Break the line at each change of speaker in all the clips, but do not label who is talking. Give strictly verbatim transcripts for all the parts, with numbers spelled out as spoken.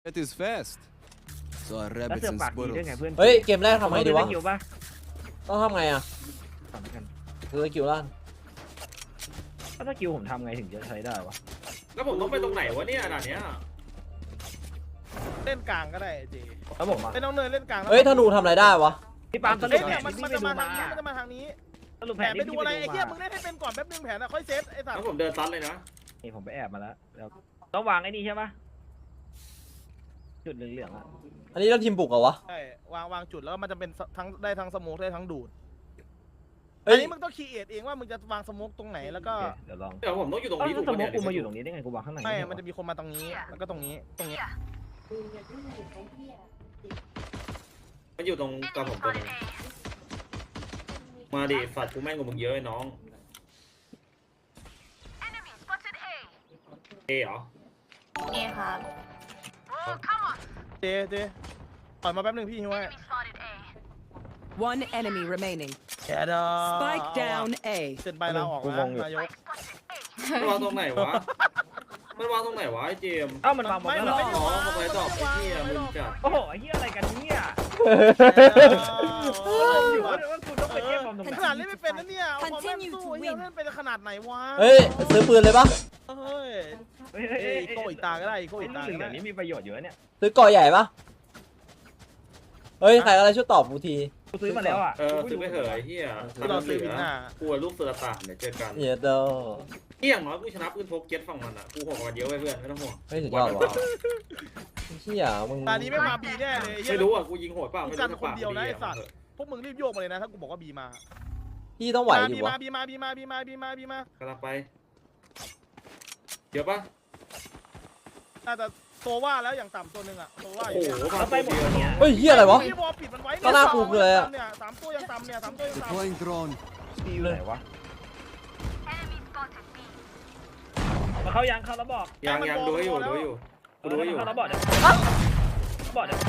That is fast. So a
แล้ว
rabbit
เสือก
and
ปากดีด้วย
squirrels.
ไงเพื่อน
เฮ้ยเกมแรกทำไงดีวะ
อยู่ปะ
ต้องทำไงอ่ะ
ทำกัน
คือสกิลล่าง
ถ้าสกิลผมทำไงถึงจะใช้ได้วะ
แล้วผมต้องไปตรงไหนวะเนี่ยด่านเนี้ย
เล่นกลางก็ได้เจ
แล้วผมอ่ะ
ไม่ต้องเนินเล่นกลาง
เฮ้ยธนูทำอะไรได้วะ
พี่ปาล์มสรุ
เฮ้
ป
ย
แผ
เนี่ย
น
มัน
ที่
มัน
ไป
จะ
ดู
มา
มา
ทางนี้มันจะมาทางนี้
สรุปแผ
แผ
น
น
ที่
ไปดู
พี่
อะไร
ไป
ไอ้
ดู
เหี้ย
มา
มึงเล่นให้เป็นก่อนแป๊บนึงแผนอะค่อยเซตไอ้สัต
แล้ว
ว์
ผมเดินซัดเลยนะ
นี่ผมไปแอบมาแล้วแล้วต้องวางไอ้นี่ใช่ปะจุดเหลืองๆอ่ะ
อันนี้เราทีมบุกเหรอวะ
ใช่วางวางจุดแล้วมันจะเป็นทั้งได้ทั้งสโมกได้ทั้งดูด
เฮ้
อั
ย
นนี้มึงต้องคีเอทเองว่ามึงจะวางสโมกตรงไหนแล้วก็
โอเคเดี๋ยวลอง
เดี๋ยวผมต้องอยู่ตรง
เอ้า
นี้
แล้ว
ถูก
ส
ปะ
มม
เนี่ย
ติกูมาอยู่ตรงนี้ได้ไงกูวางข้างใน
ไม่
เหรอ
มันจะมีคนมาตรงนี้แล้วก็ตรงนี้ตรงนี้
มันอยู่ตรงกับผมตัวนึงมาดิสัตว์กูแม่งกว่ามึงเยอะไอ้น้องเอเหรอ
เอครับ
เจเจปล่อยมาแป๊บนึงพี่ฮิวไว้
One enemy remaining.
แกดอ
Spike down A.
เซ็นใบลาออกนะนายก
มันวางตรงไหนวะมันวางตรงไหนวะไอ้เจมส์
เอ้ามันวางบอล
ไม่
แล้ว
มั
เห
น
รอ
ไม่ได้วาง
อ๋อทำไมตอบไอ้เหี้ยมึงจัด
โอ้โหไอ้เหี้ยอะไรกันเนี่ย
โอ้
ผม
ย
อยู่ว่าว่าคุณต้องไปเก็บบอลตรงไหน
ขนาดเล่นไม่เป็นนะเนี่ยเอาความแม่นสู้เหี้ยเล่นเป็นขนาดไหนวะ
เฮ้ยซื้อปืนเลยปะ
เฮ้ย
เฮ้ยเฮ้ย
เอ้
เฮ้
ย
ย
อีโก้อีกตาก็ได้อีโก้
ไอ้
อีก
ลู
ตาก
เหลื
ก็
อง
ได้
ๆนี่มีประโยชน์เยอะเนี่ย
ซื้อก่อใหญ่ปะเฮ้ยใครอะไรช่วยตอบกูที
กูซื้อมาแล้วอ่ะ
เออซื้อไปเถอะไอ้เหี้ย
ที่เราซื้อบินหน้า
กูลูกเสือตาเดี๋ยวเจอกัน
เหี้ยเดอ
เที่ยงน้อยกูชนะปืนพกเก็ตฝั่งมันอ่ะกูหกมันเยอะไว้เพื่อนไม่ต้องห่วง
เฮ้ยสุดยอดว่ะเชี่ยมึง
ตานี้ไม่มาบีแน่เลย
ไม่รู้อ่ะกูยิงโหดเปล่าไม่รู้
กันคนเดียวนะไอ้สัตว์พวกมึงรีบโยกมาเลยนะถ้ากูบอกว่าบีมา
พี่ต้องไหวดิ
บี
วะ
มาบีมาบีมาบีมาบีมาบีมาก
ำลังไปเดี๋ยวปะ
น่าจะโซว่าแล้วอย่างต่ำตัวหนึ่งอะโซว่าอ
โอ้
ยู่
โห
เนี่ย
มา
แล้วไป
ตัว
หมด
เดียว
เนี่ย
เฮ้ยเหี้ยอะไรวะ
พี่บอลปิดมันไว้
ก็น่ากูเลยอะ
เนี่ยสามตัวยังต่ำเนี่ยสามตัวยังต่ำ
Deploying drone.
ตีอยู่ไหนวะมาเข้ายังเข้าแล้วบอก
ยังยังดูให้อยู่ดูให้อยู่กูดูให้อยู่
เข้าแล้วบอกเดี๋ยวบอกเดี๋ยว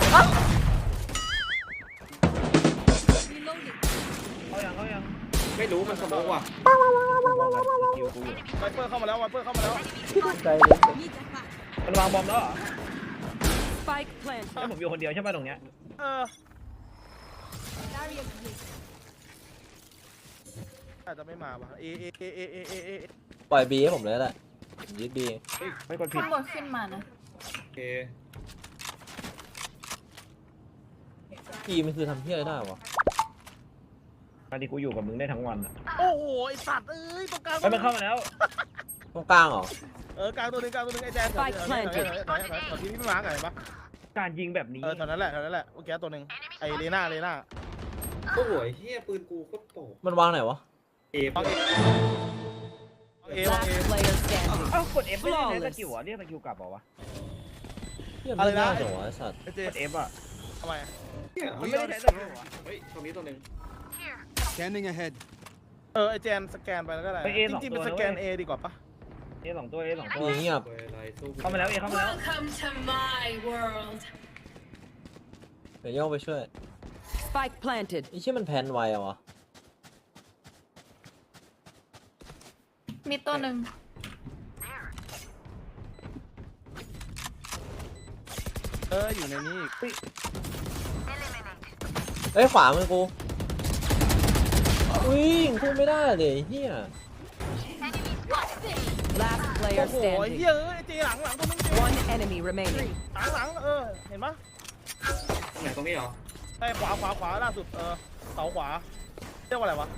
เข้ายังเข้ายัง
ไม่รู้มันสมองว่ะ
สกิลกูอยู่
ไวเปอร์เข้ามาแล้วไวเปอร์เข้ามาแล้ว
ใจเลย
มันวางบอมแล้วเหรอ
Spike planted.
แล้วผมอยู่คนเดียวใช่ป่ะตรงเนี้ย
เอออาจจะไม่มาว่ะเอเอเอเอเอเอเอ
ปล่อยบีให้ผมเลยแหละยึดบี
ไม่กดผิด
ข้างบนขึ้นมานะ
โอเค
บีมันคือทำเพี้ยอะไรได้วะ
ตอนที่กูอยู่กับมึงได้ทั้งวันอ่ะ
โอ้โหไอสัตว์เอ้ยตรงกลาง
เฮ้ยมันเข้ามาแล้ว
ตรงกลางเหรอ
เออกลางตัวหนึงกลางตัวหนึงไอแจ๊สตอนที่พี่มาร์กไงปะ
การยิงแบบนี้
เออตอนนั้นแหละตอนนั้นแหหละโอเคตัวหนึ่งไอเลน่าเลน่า
โอ้โหเฮียปืนกูโคตรโต
มันวางไหนวะ
เอฟ
วางเอเอวางเอ
Last player standing.
เอ้ากด F ไม่ได้ใช้สกิลอ่ะเรียกสกิลกลับเหรอวะ
เหี้ยไม่น่าจังวะไอ้สัตว์
ไอเจ
กด F อ่ะ
ทำไม
เฮีย
มันไม่ได้ใช้สกิลอ่ะ
เฮ้ยตรงนี้ตัวหนึ่ง
Scanning ahead.
เออไอแจนสแกนไปแล้วก็ได้จริงๆเป็นสแกนเอดีกว่าปะ
เอสองตัวเอสองตัว
เงียบ
อะไรสู้
เข้ามาแล้วเอเข้ามาแล้ว
Welcome to my world
เดี๋ยวโย่องไปช่วย
Spike planted.
ไอ้เชี่ยมันแพนไวอะวะ
มีตัวหนึ่ง
เอออยู่ในนี้อีก
เฮ้ยขวามือกูวิ่งพุ่งไม่ได้เลยเฮีย
Last
โอ้
player
โหไอเฮี
standing.
ยเอ้ยไอเจหลังหลังตัวนึงเจ
One enemy remaining.
หลังหลังเออเห็นปะ
ตรงไหนตรงนี้เหรอ
ไอขวาขวาขวาล่าสุดเออเสาขวาเรียกว่าอะไรวะ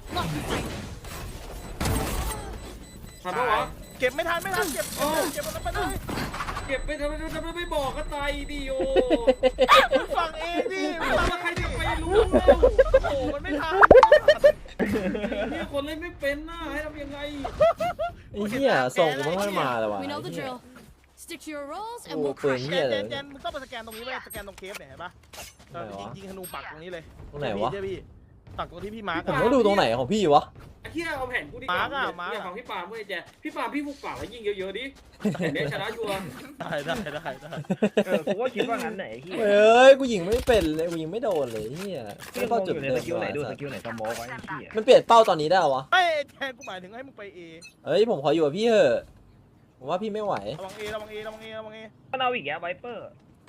ทันปะวะ
เก็บไม่ทันไม่ทันเก็บเก็บเก็บมันไปเลย
เก็บไปทำไมทำไมไม่บอกก็ตายดิโอ
มึงฟังเองดิมึงฟัง
แล้วใครจะไปรู้
โอ้โหมันไม่ทัน
เนี่ยคนเล่นไม่เป็นน่ะให้ทำยังไง
ไอ้เฮียส่งกูไม่ค่อยมาเลยวะ
We know the
ไอ้เหี้ย
drill. Stick to your roles
โอ้
and we'll
ปืน
crush
เฮีย
เจ
เลย
นเจนมึงต้องไปสแกนตรงนี้ไว้สแกนตรงเคฟเนี่ยเห็นปะเออยิงยิงธนูปักตรงนี้เลย
ตรงไหนวะ
เจ้พี่ปักตรงที่พี่มาร์ก
ผมต้องดูตรงไหนของพี่วะ
ไอ้เหี้ยเอาแผ่นกูดีกว่าอย่าฟังพี่ปาล์มเว้ยแจพี่ปาล์มพี่ฟุกปากแล้วยิงเยอะๆดิเดี๋ยวชนะชัวร์
ได้ได้ได้ได้
เออกูก็คิดว่างั้นไหนเฮีย
เฮ้ยกูยิงไม่เป็นเลยกูยิงไม่โดนเลยเฮีย
พี่
ไม่
ง
เข้าง จุด
อยู่ใน
เดิ
ส
ม
กิลไหนดู
วะ
สกิลไหนสโมกไว้เฮีย
มันเปลี่ยนเป้าตอนนี้ได้เหรอวะ
ไอ้แทนกูหมายถึงให้มึงไปเอ
เฮ้ยผมขออยู่กับพี่เถอะผมว่าพี่ไม่ไหว
ระวังเอระวังเอระวังเอระวังเอ
มันเอาอีกแกไวเปอร์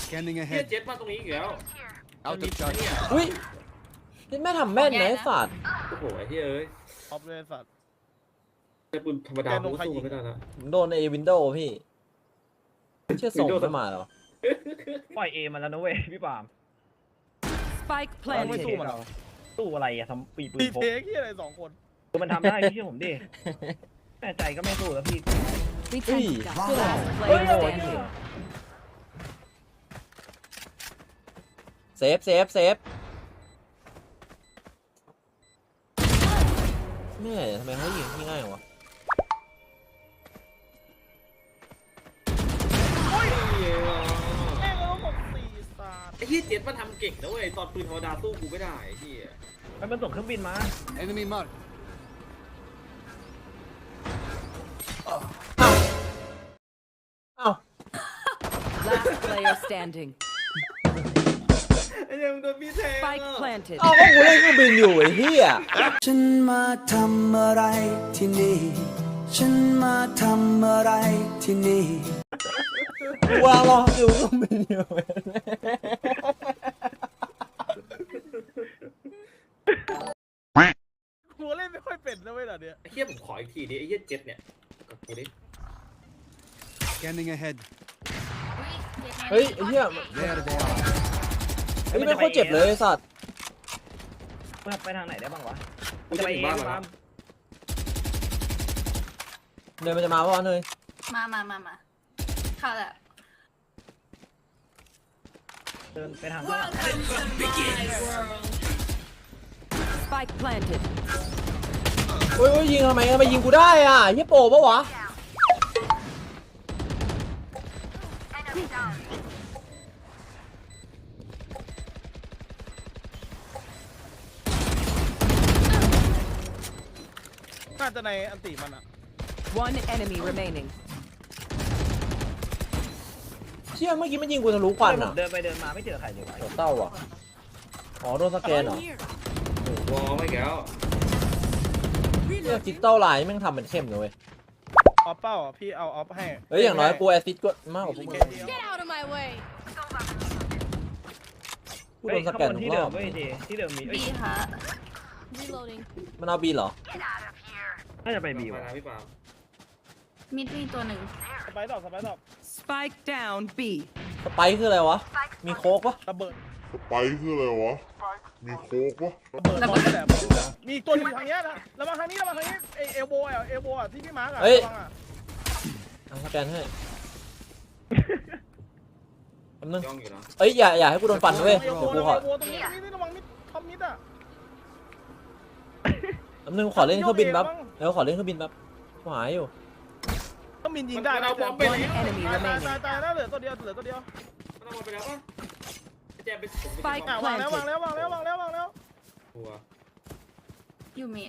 Scanning
เฮีย
ahead.
เจ็ตมาตรงนี้อีกแล้ว
Out
มี
of charge.
เนี่ย
อุ้ยนี่แม่ทำแม่นนะไอ้สัตว์
โอ้โหไอ้เฮียเอ้ย
ออฟเลยสัตว์
แต่ปืนธรรมดากูสู้ไม่ได้ละ
ผมโดนในวินโดว์พี่เชื่อส่งไม่มาหรอ
ปล่อยเอมันแล้วนะเว้ยพี่ปาล์ม
Spike
เราไม่
planted.
สู้มันหรอ
ตู้อะไรอะทำปีปื
ปี
นพก
เทคที่อะไรสองคน
คือมันทำได้พี่เชื่อผมดิแน่ใจก็ไม่สู้แล้วพี่
We
Hey.
tend to die. Last
เฮ้ย
player
โอ้ย
standing.
เซฟเซฟเซฟแม่ทำไมเขายิงที่ง่ายวะ
แม่งก็ต้องบอกสี่สัตว์
ไอ้เฮียเจ็ตมันทำเก่งนะเว้ยตอนปืนธรรมดาสู้กูไม่ได้ไอ้เฮีย
มันมันส่งเครื่องบินมา
Enemy mark.
อ้าว
Last player standing.
ไอ้เฮียมึงโดนพี่แทง
Spike planted.
อ้าวก็กูเล่นเครื่องบินอยู่ไอ้เหี้ย
ฉันมาทำอะไรที่นี่ ฉันมาทำอะไรที่นี่
กูวางรออยู่เครื่องบินอยู่
กูเล่นไม่ค่อยเป็นนะเว้ยเหรอเนี่ย
ไอ้เฮียผมขออีกทีดิไอ้เฮียเจ็ตเนี่ยกับกูดิ
Scanning ahead.
เฮ้ยไอ้เหี้ย
There they are.
ไอ้นี่ไม่โคตรเจ็บเลยไอ้สัตว์
มันไปทางไหนได้บ้างวะ
กูจะไปบ้าน
พี่
แล้ว
ปาล์ม
เนยมันจะมาปะวะเนย
มามามามาเข้าแล้ว
เดินไปทางข้างหลัง
Spike planted.
โอ้ยโอ้ยยิงทำไมทำไมยิงกูได้อ่ะเหี้ยโปปะวะ
น่าจะในอันติมันอะ
One enemy remaining.
เชี่ยเมื่อกี้มันยิงกูทะลุควันอ่ะ
เดินไปเดินมาไม่เจอใครเลยวะ
โหเต้าอ่ะอ๋อโดนสแกนเหรอ
วอลไม่แก้ว
เนี่ยดิจิตอลไลน์แม่งทำเป็นเข้มเลยเว้ย
ออฟเป้าอ่ะพี่เอาออฟให้
เฮ้ยอย่างน้อยกูแอสซิสต์ก็มากกว่าพวกมึง
Get out of my way.
กูโดนสแกน
เฮ้ย
ทุ
ที่
กร
เดิ
อ
ม
บ
เว้ยเจที่เดิมมีเอ้ย
บีค่ะ
Reloading.
มันเอาบีเหรอ
น่าจะไปบี
ไป
วะ
นะพี่ปาล์ม
มิดมีตัวหนึ่ง
สไปร์ดอกสไปร์ดอก
Spike down B.
สไปค์คืออะไรวะ มีโค้กปะ
ระเบิด
ไปคืออะไรวะ มีโค้กวะ
ระเบิดร้อนแหลมมีอีกตัวหนึงอยู่ทางเนี้ยนะระวังทางนี้ระวังทางนี้เอเอลโบอ่ะเอลโบอ่ะที่พี่มาร์กอ่ะระวังอ่ะ
เอาสแกนให้แป๊บนึง
ย่องอยู่นะ
เอ้ยอย่าอย่าให้กูโดนฟันนะเว้ย
เอลโบ
เดี๋ยวกู
ระ
ข
วั
อง
เอลโบตรงนี้ตรงนี้ระวังมิดทอมมิดอ่ะ
แป๊บนึงขอเล่นเครื่องบินแป๊บเดี๋ยวขอเล่นเครื่องบินแป๊บกูหายอยู่
ต้องมินยิงได้
มันเอาบอมไปแล้ว
Enemy
ตายตาย
remaining.
ตายตายแล้วเหลือตัวเดียวเหลือตัวเดียว
มันเอาบอลไปแล้วป่ะไอ้แจมไปผมไป
Spike
อ่ะวางแล้ววางแล้ววางแล้ววางแล้ววางแล้ว
หัว
อยู่มิด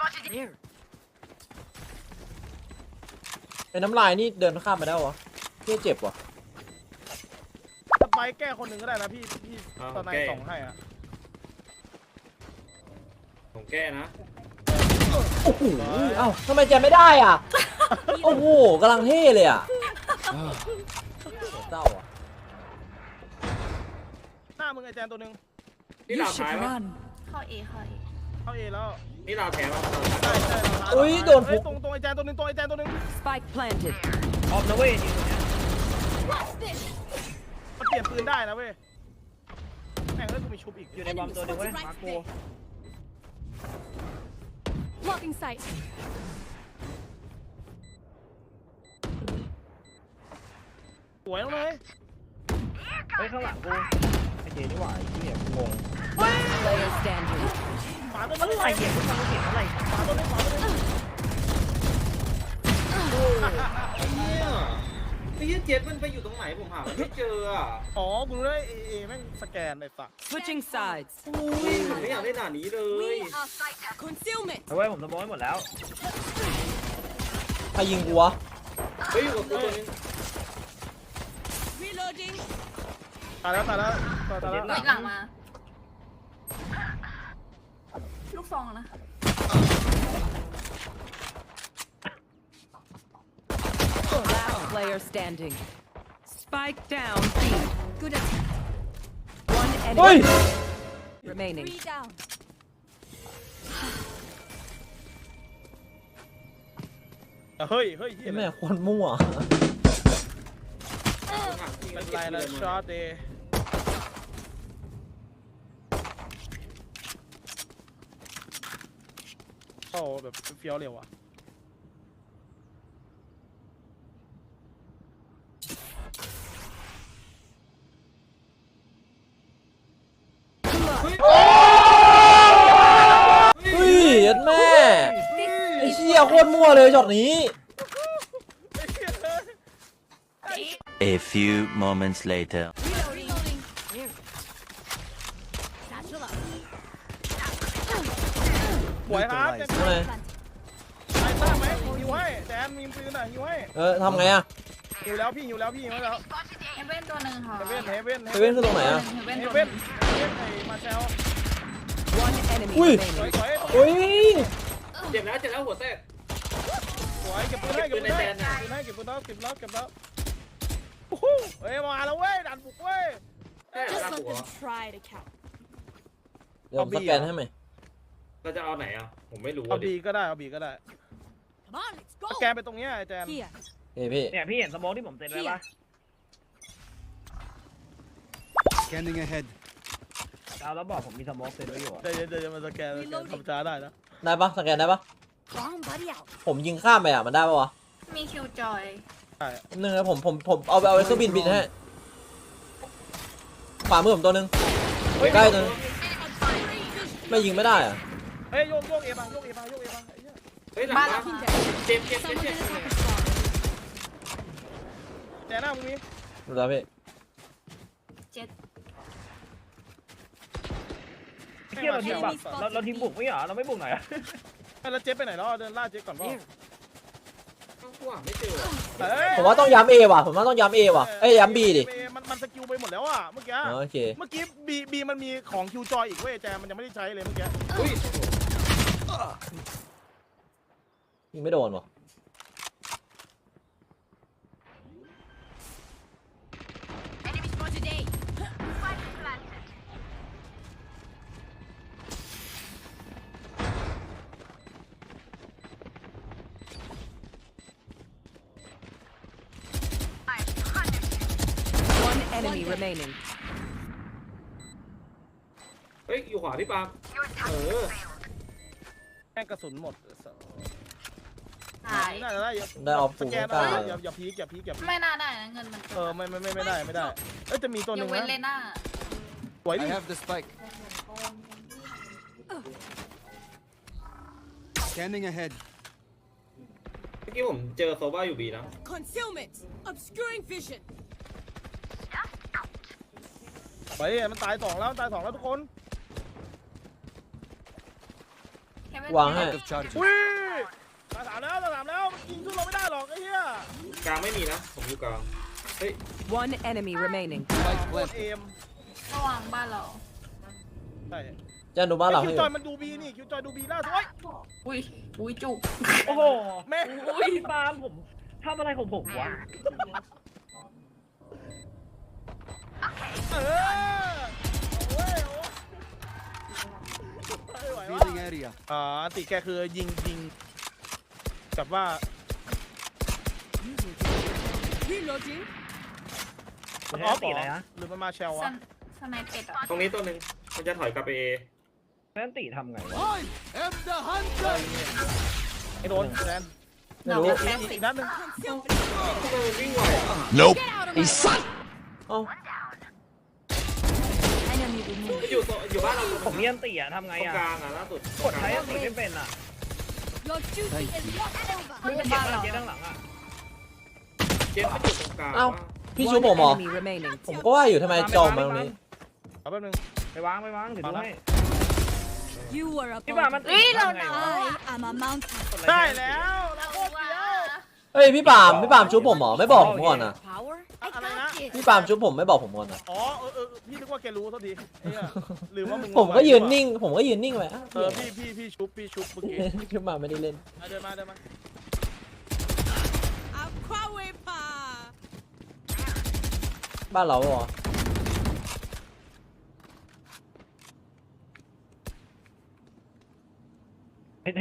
ไอ้น้ำลายนี่เดินข้ามไปได้วะเพี่เจ็บวะ
สไปร์แก้คนหนึ่งก็ได้นะพี่พี่ตอนในสองให้อ่ะ
ผมแก้นะ
โอ้โหเอ้าทำไมแจมไม่ได้อ่ะ โอ้โหกำลังเท่เลยอ่ะเศร้าอ่ะ
หน้ามึงไอแจนตัวหนึ่ง
นี่ลาวท้ายป่ะ
เข้าเอเข้าเอ
เข้าเอแล้ว
นี่ลาวแทนป่ะ
ใช่ใช่
อุ้ยโดน
เฮ้
พุ
ย
ก
ตรงตรงไอแจนตัวหนึ่งตรงไอแจนตัวหนึ่ง
Spike planted.
ออมนะเว้ยจริงๆเนี่ย
มันเปลี่ยนปืนได้นะเว้ยแม่งเอ้ยกูมีชุบอีก
อยู่ในบอมตัวหนึงเว้ยมาโก
Blocking sight.
สวยน้องเลย
เฮ้ยข้างหลังกูไอ้เจนี่หว่าไอ้เหี้ยงง
Player standing.
ขวาตัว
มัน
นึง
อะไรเหี้ยกูฟังเสียงอะไร
ขวาตัวนึงขวาตัวนึง
ไอ้เหี้ยไอ้เหี้ยเจ็ตมันไปอยู่ตรงไหนผมหามันไม่เจออ่ะ
อ๋อกูรู้ได้เอเอแม่งสแกนไอ้สัส
Switching sides.
อุ้ยผมไม่อยากได้หน้านี้เลย
We are concealment.
เอาไว้ผมสมองให้หมดแล้ว
ใครยิงกูวะ
เฮ้ยอยู่กับกูตัวนึง
Reloading.
ตายแล้วตายแล้วตายแล้ว
เฮ้ยหลังมา ลูกซองนะ
Last player standing. Spike down B.
Good attempt.
One
เฮ้ย
enemy remaining.
Three down.
เฮ้ยเฮ้ยเฮีย
แม่คนมั่ว
เป็นไรนะช็อตเดย์โอ้แบบเฟี้ยวเร็วอ่ะ
เฮ้ยยัดแม่ไอ้เชี่ยโคตรมั่วเลยช็อตนี้
A few moments later.
Reloading. Here. Satchel up.
สวยครับแจน
ทำไง
ไอ้ต้าไหมหิวให้แจนมีปืนอ่ะหิวให้
เออทำไงอะ
หิวแล้วพี่หิวแล้วพี่หิวแล้ว
เฮเว่นตัวหนึ่งค่ะ
เฮเว่นเฮเว่น
เฮเว่นคือตรงไหนอะ
เฮเว่น
เฮ
ตัวห
เว่
นึ่
น
ง
เฮเว่นไอ้มาเชล
One enemy
Ui.
สวย
remaining.
สวย
โอ้ย
เจ็บแล้วเจ็บแล้วหัวแตก
สวยเก็บปืนให้เก็บปืนให้เก็บปืนให้เก็บปืนแล้วเก็บแล้วเก็บแล้วโอ้โหเฮ้ยมาแล้วเว้ยดันบุกเว้ย
แค่
Just
ลาก
let
หัว
them try to count.
เดี๋ยวผมสแกนให้ไหม
เราจะเอาไหนอ่ะผมไม่รู้
เอา
ดิ
บีก็ได้เอาบีก็ได้
Come on, let's go.
สแกนไปตรงเนี้ยไอ้แจน
Here.
เฮ้ยพี่
เนี่ยพี่เห็นสโมองที่ผมเซ็นไว้ปะ
Scanning ahead.
เอาแล้วบอกผมมีสโมองเซ็นไว้อยู่อะ
เดี๋ยวเดี๋ยวจะมาสแกนสแกนทำช้าได้นะ
ได้ปะสแกนได้ปะ
Bomb buddy out.
ผมยิงข้ามไปอะมันได้ปะวะ
มีคิวจอย
ใช่
หนึ่งนะผมผมผมเอาไปเอาไอ้เครื่องบินบินให้ขวามือผมตัวหนึงใกล้ตัวหนึงไม่ยิงไม่ได้อะ
เฮ้ยโยกโยกเอมาโยกเอมาโยกเอมาไอ้เหี้ย
เฮ้ยหลัง
บ้าน
มา
เราค่ะ
เจ็บเจ็บเจ็บ
Someone
เจ็บ
gonna attack us far.
แจนหน้ามึงมี
ดูแล้วพี่
เจ็ด
ไอ้เหี้ยเราทีมแบบเราเราทีมบุกไม่เหรอเราไม่บุกหน่อยอะ
แล้วเจ๊ไปไหนแล้วเดินล่าเจ๊ก่อนเปล่า
ข้างขวาไม่เจอ
เฮ้ย
ผมว่าต้องย้ำเอว่ะผมว่าต้องย้ำเอว่ะเอ้ยย้ำบีดิ
มันมันสกิลไปหมดแล้วอ่ะเมื่อกี้
อ๋อโอเค
เมื่อกี้บีบีมันมีของคิวจอยอีกเว้ยแจนมันยังไม่ได้ใช้เลยเมื่อกี้
อุ้ย
ยิงไม่โดนวะ
Enemy spotted A.
One enemy remaining.
เฮ้ยอยู่ขวาพี่ปาล์มเออ
แม่งกระสุนหมด
หาย
น่าจะได้เยอะ
ได้ออฟ
ส
ฟู
แกน
กล้า
นะอย่าอย่าพีกอย่าพีกอย่าพีก
ไม่น่าได้นะเงินมัน
เออไม่ไม่ไม่ไม่ได้ไม่ได้เอ้ยจะมีตัวห
ย
นึ่
ก
ง
เว้น
นะ
เลน่า
สวยดิ
I have the spike. Scanning ahead.
เมื่อกี้ผมเจอโซบ้าอยู่บีนะ
Concealment. Obscuring vision.
ไปมันตายสองแล้วตายสองแล้วทุกคน
เฮเว่น
วางให้
Out of charges.
อุ้ยตายสามแล้วตายสามแล้วมันยิงสู้เราไม่ได้หรอกไอ้เหี้ย
กลางไม่มีนะผมอยู่กลางเฮ้ย
One enemy remaining.
Spike
โคตร
planted.
เอม
ระหว่างบ้านเรา
ใช่
จะดูบ้านเรา
คิ
ให้
ว
อ
จ
ยู่
อยมันดูบีนี่คิวจอยดูบีล่าสุดโอ้ย
อุ้ยอุ้ยจุก
โอ้โห
แม่
อุ้ยปาล์มผมทำอะไรของผมวะ
เออโอ้ยโอ้ยไม่ไหววะ
Revealing area.
อ่าติแกคือยิงยิงกับว่า
Reloading.
มัน
มัน
ออฟ
ตี
เหร
อะไร
อ
นะ
หรือมันมาเชล
ส
วะ
นสไนเป็ดอะ
ตรงนี้ตัวหนึ่งมันจะถอยกลับไปเอ
นั่นตีทำไงวะ
I am the hunter.
ไอ้โดนแดน
ไม่รู้
อีกอีกนัดหนึง
Concealment.
ทำไมมันวิ่งไวอะ
Nope.
Get out of my way.
เอ้า
enemy remaining
อยู่โซอยู่บ้านเราตรง
ผมมีอันตีอะทำไง
ก
อะ
ลางอ่ะล่าสุด
กดใช้อันตีไม่เป็นอะ
Your duty is not over.
ไม่เป็น
เจ็บ
บ้าน
อะ
เรา
เจ็บด้านหลังอะ
เจ็บมันอยู่ตรงกลาง
เอ้า
ว่ะ
พี่ชูผม
One
เหรอ
enemy remaining.
ผมก็ว่าอยู่ทำไมจอมมาตรงนี้
เอาแป๊บนึง
ไปวางไปวางถือดูให้
You are a
พี่ปาล์มมัน
bomb.
ตี
เฮ้ยเรา
ทำไง
หนาว
วะ
I am a mountain.
ได้แล้วเราโคตรเดียว
เฮ้ยพี่ปาล์มพี่ปาล์มชุบผมเหรอไม่บอกผมก่อนนะ
Power. I
อะไรนะ
got
พี่
this.
ปาล์มชุบผมไม่บอกผมก่อนนะ
อ๋อเออเออพี่นึกว่าแกรู้เท่าทีไอ้เหี้ยลืมว่ามึง
ผมก็ยืนนิ่ง ผมก็ยืนนิ่งไปอ่ะ
เออพี่พี่พี่ชุบพี่ชุบเมื่อกี้
ชุบมาไม่ได้เล่น
อ่ะเดินมาเดินมา
Aqua pa.
บ้านเราเหรอ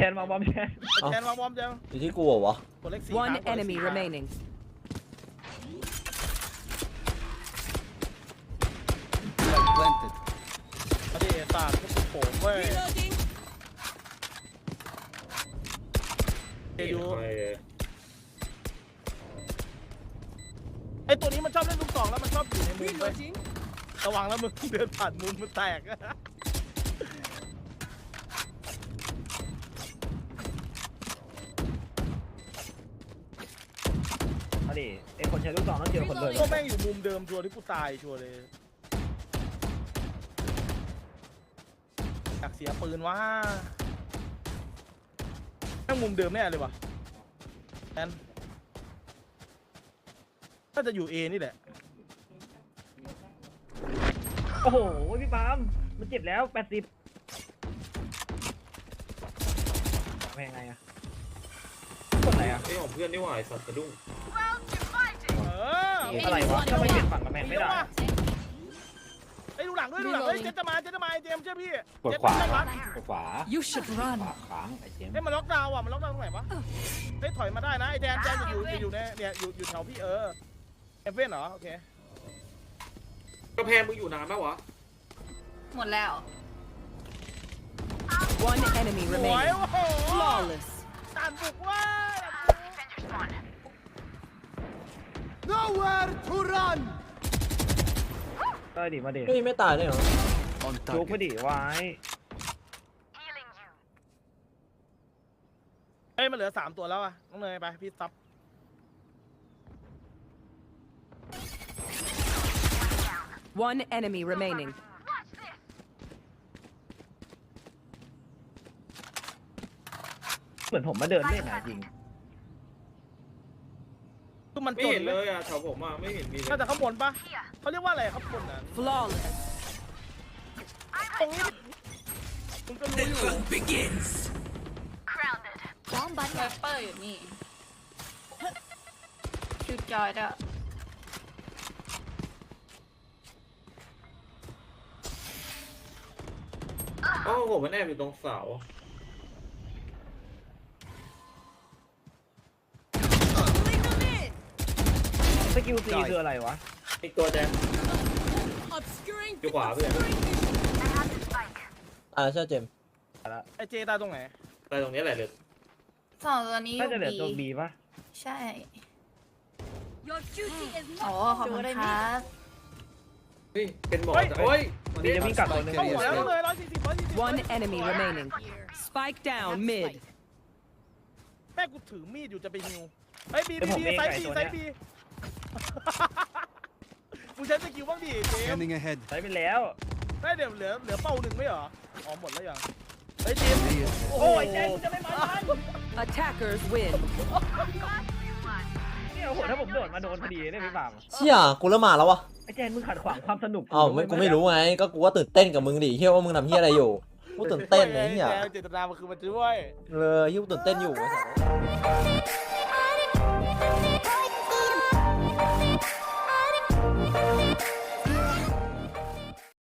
นมาบอมแทน
แทนวางบอมเจม
อยู่ที่กูเหรอวะ
กดเลขสี่
One enemy remaining.
Planted.
มาดิศาสตร์ก็โผล่เว้ย
Reloading.
เดี๋ยวดู
ไป
ไอตัวนี้มันชอบเล่นลูกสองแล้วมันชอบอยู่ในมุมไป
Reloading.
ระวังแล้วมึงเดินผ่านมุมมันแตก
มาดิไอคนใช้ลูกซองต้องเจอคนเลย
ก็แม่งอยู่มุมเดิมชัวร์ที่กูตายชัวร์เลยอยากเสียปืนว่าแม่งมุมเดิมแน่เลยวะแอนน่าจะอยู่เอนี่แหละ
โอ้โหพี่ปาล์มมันเจ็บแล้วแปดสิบแพงไงอะกดไหนอะ
ไอ้ของเพื่อนนี่หว่าไอ้สัตว์สะดุ้ง
เออ
อะไรวะถ้าไม่เปลี่ยนฝั่งกับแพงไม่ได้
ไอ้ดูหลังด้วยดูหลังเฮ้ยเจ๊จะมาเจ๊จะมาไอ้เจมส์เชื่อพี่
กดขวา
เจ๊จะม
กดขวา
You should run.
ขวาค้างไอ้เจมส์
เฮ้ยมันล็อกดาวน์อ่ะมันล็อกดาวน์ตรงไหนวะเฮ้ยถอยมาได้นะไอ้แดนแดนจะอยู่จะอยู่ในเนี่ยอยู่อยู่แถวพี่เออเอฟเว่นเหรอโอเค
กระแพงมึงอยู่นานไหมวะ
หมดแล้ว
One enemy
สวย
remaining.
โอ้โห
Flawless.
ตานบุกเว้ย
Nowhere to run.
ได้ดิมาดิ
เฮ้ยไม่ตายเลยเหรอ
On
จุก
target.
มาดิไว้
เฮ้ยมันเหลือสามตัวแล้วอ่ะน้องเนยไปพี่ซับ
One enemy remaining.
เหมือนผมมาเดินเล่นนะจริง
คือมัน
ไม่
จน
เห็น
เล
เลย ยอ่ะแถวผมอ่ะไม่เห็นมีเลย
น่าจะข้างบนปะเขาเรียกว่าอะไรข้างบนน่ะ
Flawless.
ตรงนี้มึงก็รู้อยู่
Bomb
ไว
buddy.
เปอร์อยู่นี่คิวจอยด้วย
อ๋อผมมันแอบอยู่ตรงเสา
สกิลซีคืออะไรวะ
อีกตัวแดง
Obscuring.
อยู่ขวาเพื่อน
อ่าใช่เจมส์
ไอเจตายตรงไหน
แต่ตรงนี้แหละเลย
สองตัวนี้อ
น่าจะ
ยู่
เหลือตัว
บี
บีป่ะ
ใช่
Your duty is
โอ้
not
ขอบคุณครับ
เฮ้ยเป็นหมอแต่โอ้ย
บีจะวิ่งกลับตัวนึง
เข้าหัวแล้วน้องเลยร้อยสี่สิบร้อยสี่สิบ
One enemy remaining. Spike down mid.
แม่กูถือมีดอยู่จะไปฮิวเฮ้ยบีบีบีไซส์บีไซส์บีมึงใช้สกิลบ้างดิเจมส์
Scanning ahead.
ใช้ไปแล้ว
ได้เดี๋ยวเหลือเหลือเป้าหนึ่งไม่เหรออ๋อหมดแล้วยังเฮ้ยเจมส์
Hey,
โอ้ยเจมส์จะไม่มาทัน
Attackers win.
เนี่ยโอ้โหถ้าผมโดดมาโดนพอดีเนี่ยพี่ปาล์ม
เชี่ยกูเริ่มมาแล้ววะ
ไอ้แจนมึงขัดขวางความสนุก
อ้าวไม่กูไม่รู้ไงก็กูว่าตื่นเต้นกับมึงดิเฮียว่ามึงทำเฮียอะไรอยู่กูตื่นเต้นไอ้เฮีย
เจตนามันคือมันช่วย
เลยเฮียกูตื่นเต้นอยู่ไอ้สัส